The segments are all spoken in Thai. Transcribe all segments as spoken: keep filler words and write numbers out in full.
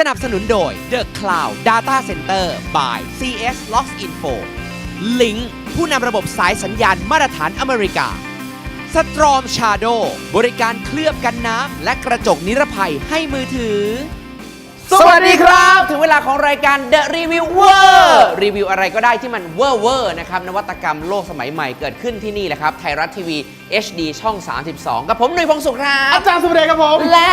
นับสนุนโดย The Cloud Data Center by ซี เอส Loginfo Link ผู้นำระบบสายสัญญาณมาตรฐานอเมริกา Storm Shadow บริการเคลือบกันน้ำและกระจกนิรภัยให้มือถือสวัสดีครับ ถึงเวลาของรายการ The Reviewer รีวิวอะไรก็ได้ที่มันเวอร์เวอร์นะครับนวัตกรรมโลกสมัยใหม่เกิดขึ้นที่นี่แหละครับไทยรัฐทีวี เอช ดี ช่อง สามสิบสอง กับผมหนุ่ยพงศ์สุขครับอาจารย์สุเดชครับผมและ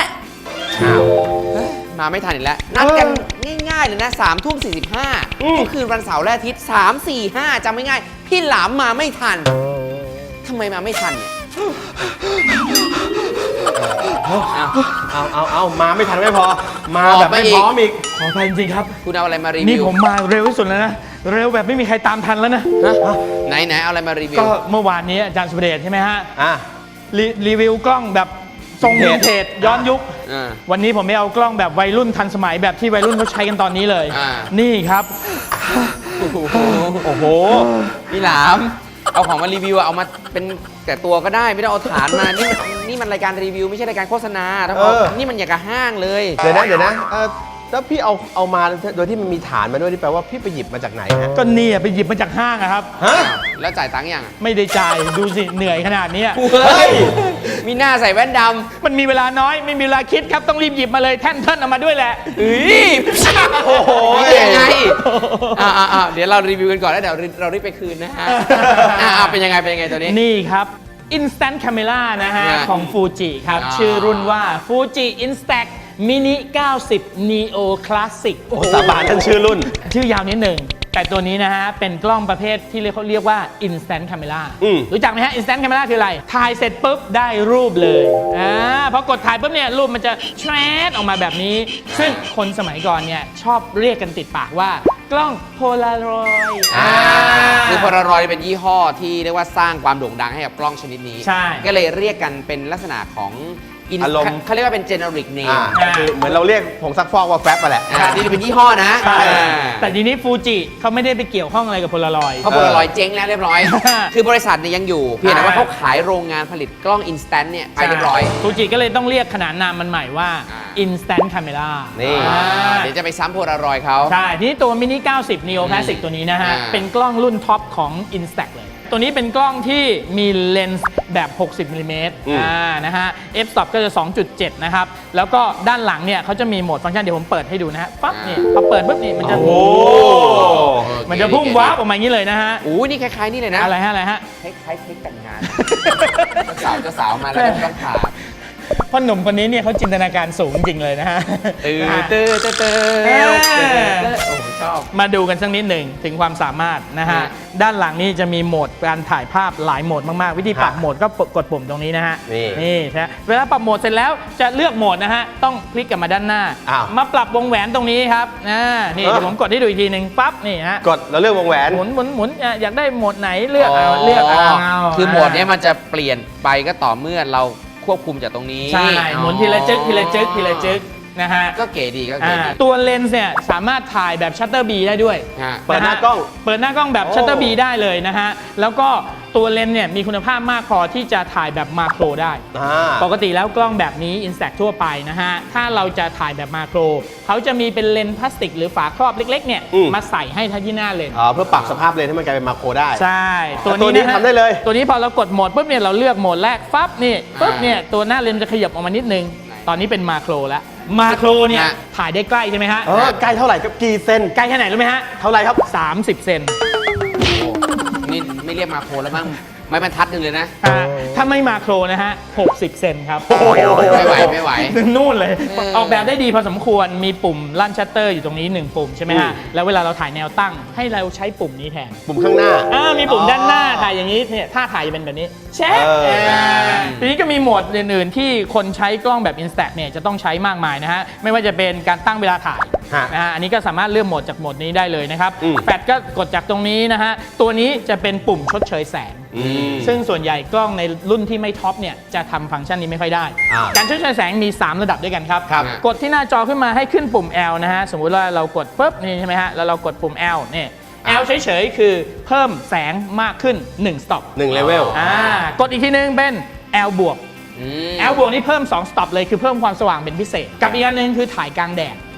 มาไม่ทันอีกแล้ว นัดกันง่ายๆเลยนะสามทุ่มสี่สิบห้าทุกคืนวันเสาร์และอาทิตย์สาม สี่ ห้าจำไม่ง่ายพี่หลามมาไม่ทันทำไมมาไม่ทันเนี่ยเอาเอาเอามาไม่ทันไม่พอมาแบบไม่พร้อมอีกขออภัยจริงๆครับคุณเอาอะไรมารีวิวนี่ผมมาเร็วที่สุดแล้วนะเร็วแบบไม่มีใครตามทันแล้วนะไหนไหนเอาอะไรมารีวิวก็เมื่อวานนี้อาจารย์สุเดชใช่ไหมฮะอ่ารีวิวกล้องแบบทรงวินเทจย้อนยุควันนี้ผมไม่เอากล้องแบบวัยรุ่นทันสมัยแบบที่วัยรุ่นเขาใช้กันตอนนี้เลยนี่ครับโอ้โหพี่หลามเอาของมารีวิวเอามาเป็นแต่ตัวก็ได้ไม่ต้องเอาฐานมานี่นี่มันรายการรีวิวไม่ใช่รายการโฆษณาทั้งหมดนี่มันอย่างกับห้างเลยเดี๋ยวนะเดี๋ยวนะแล้วพี่เอาเอามาโดยที่มันมีฐานมาด้วยนี่แปลว่าพี่ไปหยิบมาจากไหนฮะก็นี่ไปหยิบมาจากห้างอะครับฮะแล้วจ่ายตังค์ยังไม่ได้จ่ายดูสิเหนื่อยขนาดนี้เฮ้ยมีหน้าใส่แว่นดำมันมีเวลาน้อยไม่มีเวลาคิดครับต้องรีบหยิบมาเลยแท่นเทินเอามาด้วยแหละเฮ้ยโอ้โหยังไงอ่าอ่าเดี๋ยวเรารีวิวกันก่อนแล้วเดี๋ยวเรารีบไปคืนนะฮะอ่าเป็นยังไงเป็นยังไงตัวนี้นี่ครับ Instant Camera นะฮะของ Fuji ครับชื่อรุ่นว่า Fuji Instax Mini เก้าสิบ Neo Classic โอ้สาบานทั้งชื่อรุ่นชื่อยาวนิดหนึ่งแต่ตัวนี้นะฮะเป็นกล้องประเภทที่เขาเรียกว่า Instant Camera รู้จักไหมฮะ Instant Camera คืออะไรถ่ายเสร็จปุ๊บได้รูปเลยอ่าพอกดถ่ายปุ๊บเนี่ยรูปมันจะแชร์ออกมาแบบนี้ซึ่งคนสมัยก่อนเนี่ยชอบเรียกกันติดปากว่ากล้องโพลารอยด์คือโพลารอยด์เป็นยี่ห้อที่เรียกว่าสร้างความโด่งดังให้กับกล้องชนิดนี้ก็เลยเรียกกันเป็นลักษณะของอารมณ์เขาเรียกว่าเป็น generic name คือเหมือนเราเรียกผงซักฟอกว่าแฟบมาแหละนี่เป็นยี่ห้อนะแต่ทีนี้ฟูจิเขาไม่ได้ไปเกี่ยวข้องอะไรกับโพลารอยด์เพราะโพลารอยด์เจ๊งแล้วเรียบร้อยคือบริษัทเนี่ยยังอยู่เพียงแต่ว่าเขาขายโรงงานผลิตกล้อง instant เนี่ยไปเรียบร้อยฟูจิก็เลยต้องเรียกขนานนามมันใหม่ว่า instant camera นี่เดี๋ยวจะไปซ้ำโพลารอยด์เขาใช่ทีนี้ตัว mini เก้าสิบ neo classic ตัวนี้นะฮะเป็นกล้องรุ่นท็อปของ Instax เลยตัวนี้เป็นกล้องที่มีเลนส์แบบ หกสิบมิลลิเมตร อ่า นะฮะ f-stop ก็จะ สองจุดเจ็ด นะครับ แล้วก็ด้านหลังเนี่ยเขาจะมีโหมดฟังก์ชันเดี๋ยวผมเปิดให้ดูนะฮะ ปั๊บนี่พอเปิดปุ๊บนี่มันจะโอ้มันจะพุ่งวาร์ปออกมาอย่างนี้เลยนะฮะโอ้นี่คล้ายๆนี่เลยนะอะไรฮะ อะไรฮะคล้ายๆเค้กแต่งงานเจ้าสาวเจ้าสาวมาแล้วต้องผ่าพ่อหนุ่มคนนี้เนี่ยเขาจินตนาการสูงจริงเลยนะฮะตื่นตื่นตื่นตื่นโอ้ชอบมาดูกันสักนิดหนึ่งถึงความสามารถนะฮะด้านหลังนี่จะมีโหมดการถ่ายภาพหลายโหมดมากๆวิธีปรับโหมดก็กดปุ่มตรงนี้นะฮะนี่ใช่เวลาปรับโหมดเสร็จแล้วจะเลือกโหมดนะฮะต้องคลิกกลับมาด้านหน้ามาปรับวงแหวนตรงนี้ครับนี่เดี๋ยวผมกดให้ดูอีกทีหนึ่งปั๊บนี่ฮะกดแล้วเลือกวงแหวนหมุนหมุนหมุนอยากได้โหมดไหนเลือกเอาเลือกเอาคือโหมดนี้มันจะเปลี่ยนไปก็ต่อเมื่อเราควบคุมจากตรงนี้ใช่หมุนทีละจึ๊กทีละจึ๊กทีละจึ๊กนะฮะก็เก๋ดีก็เก๋ดีตัวเลนส์เนี่ยสามารถถ่ายแบบชัตเตอร์บีได้ด้วยเปิดหน้ากล้องเปิดหน้ากล้องแบบชัตเตอร์บีได้เลยนะฮะแล้วก็ตัวเลนส์เนี่ยมีคุณภาพมากพอที่จะถ่ายแบบมาโครได้ปกติแล้วกล้องแบบนี้ Instax ทั่วไปนะฮะถ้าเราจะถ่ายแบบมาโครเขาจะมีเป็นเลนส์พลาสติกหรือฝาครอบเล็กๆเนี่ยมาใส่ให้ที่หน้าเลนส์อ๋อเพื่อปรับสภาพเลนส์ให้มันกลายเป็นมาโครได้ใช่ตัวนี้ทำได้เลยตัวนี้พอเรากดโหมดปุ๊บเนี่ยเราเลือกโหมดแรกฟับนี่ปุ๊บเนี่ยตัวหน้าเลนส์จะขยับออกมานิดนึงตอนนี้เป็นมาโครแล้วมาโครเนี่ยถ่ายได้ใกล้ใช่ไหมฮะเออใกล้เท่าไหร่ครับกี่เซนใกล้แค่ไหนรู้ไหมฮะเท่าไหร่ครับสามสิบเซนนี่ไม่เรียกมาโครแล้วบ้างไม่บรรทัดหนึ่งเลยนะถ้าไม่มาโครนะฮะหกสิบเซนครับไม่ไหวไม่ไหวนู่นเลยออกแบบได้ดีพอสมควรมีปุ่มลั่นชัตเตอร์อยู่ตรงนี้หนึ่งปุ่มใช่ไหมฮะแล้วเวลาเราถ่ายแนวตั้งให้เราใช้ปุ่มนี้แทนปุ่มข้างหน้าอ่ามีปุ่มด้านหน้าถ่ายอย่างนี้เนี่ยถ้าถ่ายจะเป็นแบบนี้เช็คทีนี้ก็มีโหมดอื่นๆที่คนใช้กล้องแบบ Instax เนี่ยจะต้องใช้มากมายนะฮะไม่ว่าจะเป็นการตั้งเวลาถ่ายนะฮะอันนี้ก็สามารถเลือกโหมดจากโหมดนี้ได้เลยนะครับแฟลชก็กดจากตรงนี้นะฮะตัวนี้จะเป็นปุ่มชดเชยแสงซึ่งส่วนใหญ่กล้องในรุ่นที่ไม่ท็อปเนี่ยจะทำฟังก์ชันนี้ไม่ค่อยได้การชดเชยแสงมีสามระดับด้วยกันครับกดที่หน้าจอขึ้นมาให้ขึ้นปุ่ม L นะฮะสมมุติว่าเรากดปุ๊บนี่ใช่ไหมฮะแล้วเรากดปุ่ม L เนี่ย L เฉยๆคือเพิ่มแสงมากขึ้นหนึ่ง stop หนึ่ง level อ่ากดอีกทีนึงเป็น L บวก L บวกนี่เพิ่มสอง stop เลยคือเพิ่มความสว่างเป็นพิเศษกับอีกอันนึงคือถ่ายกลางแดด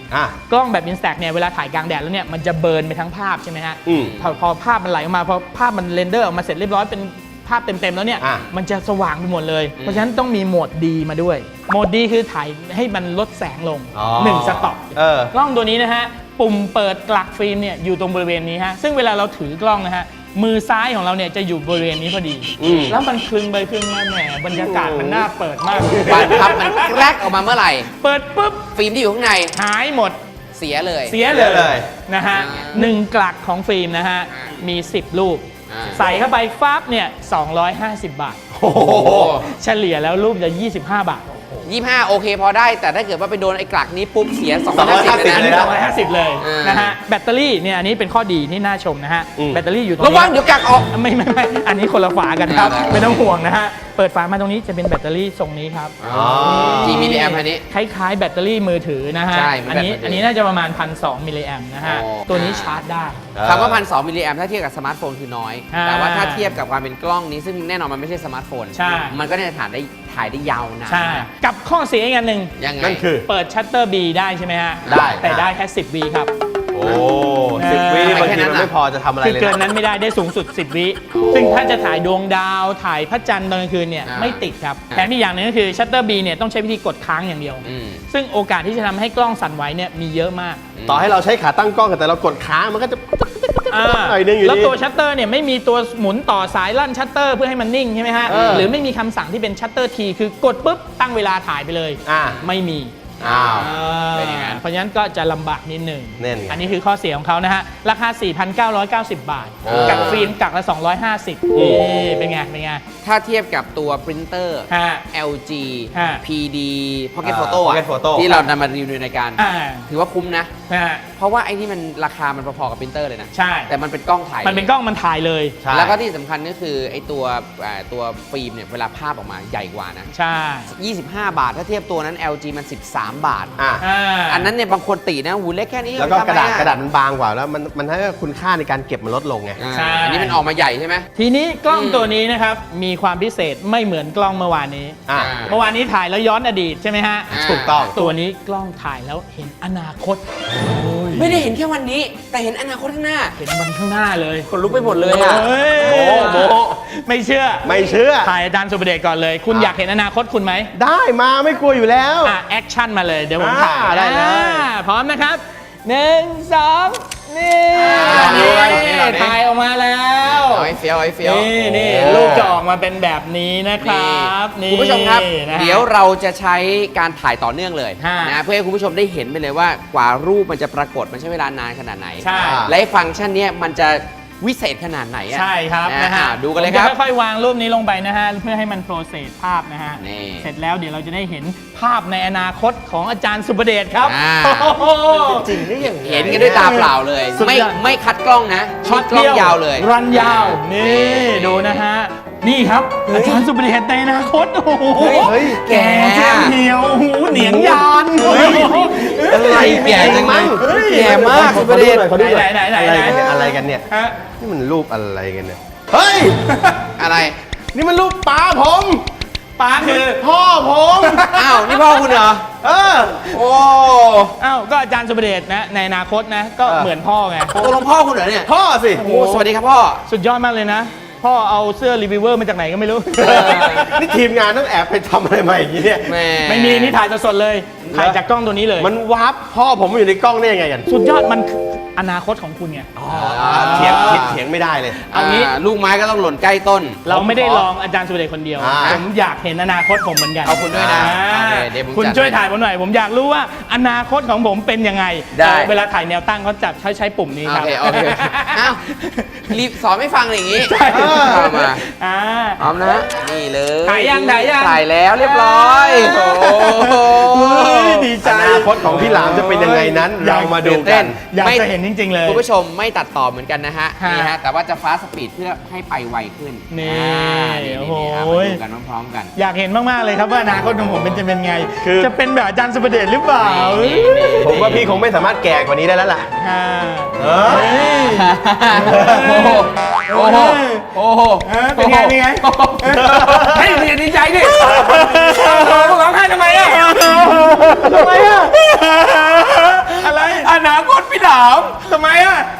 อ่ะกล้องแบบ Instax เนี่ยเวลาถ่ายกลางแดดแล้วเนี่ยมันจะเบิร์นไปทั้งภาพใช่ไหมฮะอืมพอพอภาพมันไหลออกมาพอภาพมันเรนเดอร์ออกมาเสร็จเรียบร้อยเป็นภาพเต็มๆแล้วเนี่ยอ่ะมันจะสว่างไปหมดเลย เพราะฉะนั้นต้องมีโหมดดีมาด้วยโหมดดีคือถ่ายให้มันลดแสงลงอ๋อหนึ่งสต็อปเออกล้องตัวนี้นะฮะปุ่มเปิดกลักฟิล์มเนี่ยอยู่ตรงบริเวณนี้ฮะซึ่งเวลาเราถือกล้องนะฮะมือซ้ายของเราเนี่ยจะอยู่บริเวณนี้พอดีอืมแล้วมันคลึงไปคลึงมาแหมบรรยากาศมันน่าเปิดมากบานพับมันแกรกออกมาเมื่อไหร่เปิดปุ๊บฟิล์มที่อยู่ข้างในหายหมดเสียเลยเสียเลเสียเลย ยนะฮะอ่าหนึ่งกลักของฟิล์มนะฮะอ่ามีมีสิบรูปอ่าใส่เข้าไปฟับเนี่ยสองร้อยห้าสิบบาทโอ้โหเฉลี่ยแล้วรูปจะยี่สิบห้าบาทยี่สิบห้าโอเคพอได้ แต่ถ้าเกิดว่าไปโดนไอ้กลักนี้ปุ๊บเสียสองสองร้อยห้าสิบเลยเลยนะนะสองร้อยห้าสิบเลยอ่านนะฮะแบตเตอรี่เนี่ยอันนี้เป็นข้อดีที่น่าชมนะฮะอืมแบตเตอรี่อยู่ตรงระนี้วังเดี๋ยวกลักออกไม่ไม่ไม่อันนี้คนละฝากันครับอ่าไม่ต้องห่วงนะฮะเปิดฝามาตรงนี้จะเป็นแบตเตอรี่ทรงนี้ครับอ๋อกี่มิลลิแอมป์อันนี้คล้ายๆแบตเตอรี่มือถือนะฮะใช่เหมือนอันนี้แบตมือถืออัอันนี้น่าจะประมาณพันสองมิลลิแอมนะฮะโอ้ตัวนี้ชาร์จได้คำว่าพันสองมิลลิแอมถ้าเทียบกับสมาร์ทโฟนคือน้อยอ่าแต่ว่าถ้าเทียบกับความเป็นกล้องนี้ซึ่งแน่นอนมันไม่ใช่สมาร์ทโฟนใช่มันก็เนี่ยถ่ายได้ถ่ายได้ยาวนานใช่กับข้อเสียอีกอันหนึ่งยังไงนั่นคือเปิดชัตเตอร์ B ได้ใช่ไหมฮะได้แต่ได้แค่สิบวิครับโอ้สิบวินี่บางทีมันไม่พอจะทำอะไรคือเลยเกินนะนั้นไม่ได้ได้สูงสุดสิบวิซึ่งถ้าจะถ่ายดวงดาวถ่ายพระจันทร์ตอนกลางคืนเนี่ยอ่าไม่ติดครับอ่าแถมอีกอย่างหนึงก็คือชัตเตอร์ B เนี่ยต้องใช้วิธีกดค้างอย่างเดียวอืมซึ่งโอกาสที่จะทำให้กล้องสั่นไหวเนี่ยมีเยอะมากต่อให้เราใช้ขาตั้งกล้องแต่เรากดค้างมันก็จะอ่าหน่อยนึงอยู่ดีแล้วตัวชัตเตอร์เนี่ยไม่มีตัวหมุนต่อสายลั่นชัตเตอร์เพื่อให้มันนิ่งใช่ไหมฮะเออหรือไม่มีคำสั่งที่เป็นชัตเตอร์ทีคือกดปุ๊บตั้งเวลาถ่ายไปเลยอ่าไม่มีอ้าวเป็นอย่างนั้นเพราะฉะนั้นก็จะลำบากนิดหนึ่งแน่นไงอันนี้คือข้อเสียของเขานะฮะ ราคา สี่พันเก้าร้อยเก้าสิบ บาทโอ้กับฟิล์มกักละ สองร้อยห้าสิบโอ้นี่เป็นไง เป็นไงถ้าเทียบกับตัวปรินเตอร์ฮะแอล จีฮะพี ดี Pocket อ่า Photo อะ Pocket Photo ที่เรานำมารีวิวในรายการอ่าถือว่าคุ้มนะนะฮะเพราะว่าไอ้นี่มันราคามันพอๆกับปรินเตอร์เลยนะใช่แต่มันเป็นกล้องถ่ายมันเป็นกล้องมันถ่ายเลยใช่แล้วก็ที่สำคัญก็คือไอ้ตัวอ่าตัวฟิล์มเนี่ยเวลาภาพออกมาใหญ่กว่านะใช่ยี่สิบห้า บาท ถ้าเทียบตัวนั้น แอล จี มัน สิบสาม บาทอ่ะอ่าอันนั้นเนี่ยบางคนตีนะหูเล็กแค่นี้แล้วก็ทำกระดาษไมอกระดาษมันบางกว่าแล้วมันมันให้คุณค่าในการเก็บมันลดลงไงอ่าใช่อันนี้มันออกมาใหญ่ใช่ไหมทีนี้กล้องอืมตัวนี้นะครับ มีความพิเศษไม่เหมือนกล้องเมื่อวานนี้อ่ะเมื่อวานนี้ถ่ายแล้วย้อนอดีตใช่ไหมฮะอ่าถูกต้องตัวนี้กล้องถ่ายแล้วเห็นอนาคตไม่ได้เห็นแค่วันนี้ แต่เห็นอนาคตข้างหน้าเห็นวันข้างหน้าเลยคนลุกไปหมดเลยอ่ะเฮ้ยโมโมไม่เชื่อไม่เชื่อถ่ายอาจารย์สุประเดชก่อนเลย คุณอ่ะอยากเห็นอนาคตคุณไหมได้มาไม่กลัวอยู่แล้วอ่ะแอคชั่นมาเลยเดี๋ยวผมอ่าถ่ายได้เลยอ่าพร้อมนะครับหนึ่งสองนี่อ่านี่นี่ถ่ายออกมาแล้วเอาไอ้เฟี้ยวไอ้เฟี้ยวนี่นี่โอ้รูปจะออกมาเป็นแบบนี้นะครับนี่คุณผู้ชมครับนะฮะเดี๋ยวเราจะใช้การถ่ายต่อเนื่องเลยฮะนะเพื่อให้คุณผู้ชมได้เห็นไปเลยว่ากว่ารูปมันจะปรากฏมันใช้เวลานานขนาดไหนใช่และไอ้ฟังก์ชันเนี้ยมันจะวิเศษขนาดไหนอะใช่ครับนะนะฮะอ่าดูกันเลยครับผมจะค่อยๆวางรูปนี้ลงไปนะฮะเพื่อให้มันโปรเซสภาพนะฮะนี่เสร็จแล้วเดี๋ยวเราจะได้เห็นภาพในอนาคตของอาจารย์สุประเดชครับอ่าโอ้โหจริงได้ยังไงเห็นกันด้วยตาเปล่าเลยสุดไม่ยอดไม่คัดกล้องนะช็อตกล้องยาวเลยรันยาว นี่ดูนะฮะ นี่ครับ อาจารย์สุประเดชในอนาคต โอ้โหเฮ้ยเฮ้ยแก่เจียมเหี่ยวหูเหนียงยานเฮ้ย อะไรแก่จังเลยเฮ้ยแก่มากขอสุประเดชขอดูหน่อยไหนไหนอะไรไหนกันเนี่ยอะไรกันเนี่ยฮะนี่มันรูปอะไรกันเนี่ย เฮ้ยอะไรนี่มันรูปป้าผมป้าคือพ่อผมอ้าว นี่พ่อคุณเหรอเออโอ้อ้าวก็อาจารย์สุประเดชนะในอนาคตนะ ก็เออเหมือนพ่อไงตกลงพ่อคุณเหรอเนี่ยพ่อสิโอ้สวัสดีครับพ่อสุดยอดมากเลยนะ พ่อเอาเสื้อรีวิวเวอร์มาจากไหนก็ไม่รู้นี่ทีมงานต้องแอบไปทำอะไรมาอย่างนี้เนี่ยแม่ไม่มีนี่ถ่ายสดๆเลย ถ่ายจากกล้องตัวนี้เลยมันวาร์ปพ่อผมมาอยู่ในกล้องได้ยังไงกันสุดยอดมันคืออนาคตของคุณไงเถียงเถียงเถียงไม่ได้เลยเอางี้อ่าลูกไม้ก็ต้องหล่นใกล้ต้นเราไม่ได้ลองอาจารย์สุประเดชคนเดียวอ่าผมอยากเห็นอนาคตผมเหมือนกันเอาคุณด้วยนะอ่าโอเคเดี๋ยวผมคุณจัดช่วยให้ถ่ายผมหน่อย ผมอยากรู้ว่าอนาคตของผมเป็นยังไงได้เวลาถ่ายแนวตั้งเขาจับใช้ใช้ปุ่มนี้โอครับเคโอเคโอเคอ้าวรีบสอนไม่ฟังเลยอย่างนี้ใช่เอามาอ่าพร้อมนะนี่เลยถ่ายยังถ่ายยังถ่ายแล้วเรียบร้อยโอ้โหเฮ้ยดีใจอนาคตของพี่หลามจะเป็นยังไงนั้น เรามาดูตื่นกัเต้นนอยากไม่จะเห็นจริง ๆ เลยคุณผู้ชมไม่ตัดต่อเหมือนกันนะฮะฮะนี่ฮะแต่ว่าจะฟ้าสปีดเพื่อให้ไปไวขึ้นนี่อ่านี่โอ้นี่โหนี่อ่ะมาดูกันพร้อมๆกันอยากเห็นมากๆเลยครับว่าอนาคตของผมเป็นจะเป็นไงคือจะเป็นแบบอาจารย์สุประเดชหรือเปล่านี่นี่ผมว่าพี่คงไม่สามารถแก่กว่านี้ได้แล้วล่ะอ่าเออเฮ้ยโอ้โหโอ้โหโอ้โหเออเป็นไงเป็นไงให้ยดีใจดิพวกร้องไห้ทำไมอ่ะทำไมอ่ะ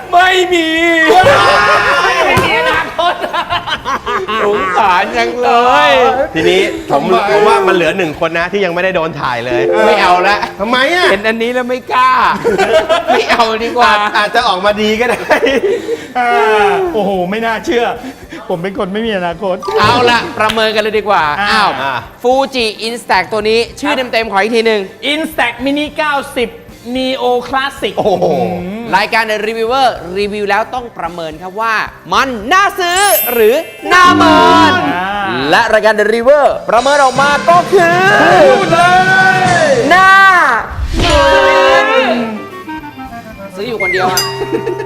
ไม่มีไม่มีอนาคตสงสารจังเลยทีนี้ผมผมว่ามันเหลือหนึ่งคนนะที่ยังไม่ได้โดนถ่ายเลยไม่เอาละทำไมอ่ะเห็นอันนี้แล้วไม่กล้า ไม่เอาดีกว่าอาจอาจจะออกมาดีก็ได้โอ้โห ไม่น่าเชื่อ ผมเป็นคนไม่มีอนาคตเอาละประเมินกันเลยดีกว่าอ่าอ้าวอ่าฟูจิอินสแต็กตัวนี้ชื่อเต็มๆขออีกทีหนึ่ง Instax Mini เก้าสิบ Neo Classic โอ้โหรายการ The Reviewer รีวิวแล้วต้องประเมินครับว่า มันน่าซื้อหรือน่าเมินอ่าและรายการ The Reviewer ประเมินออกมาก็คือพูดเลยน่าเมินซื้ออยู่คนเดียวอะ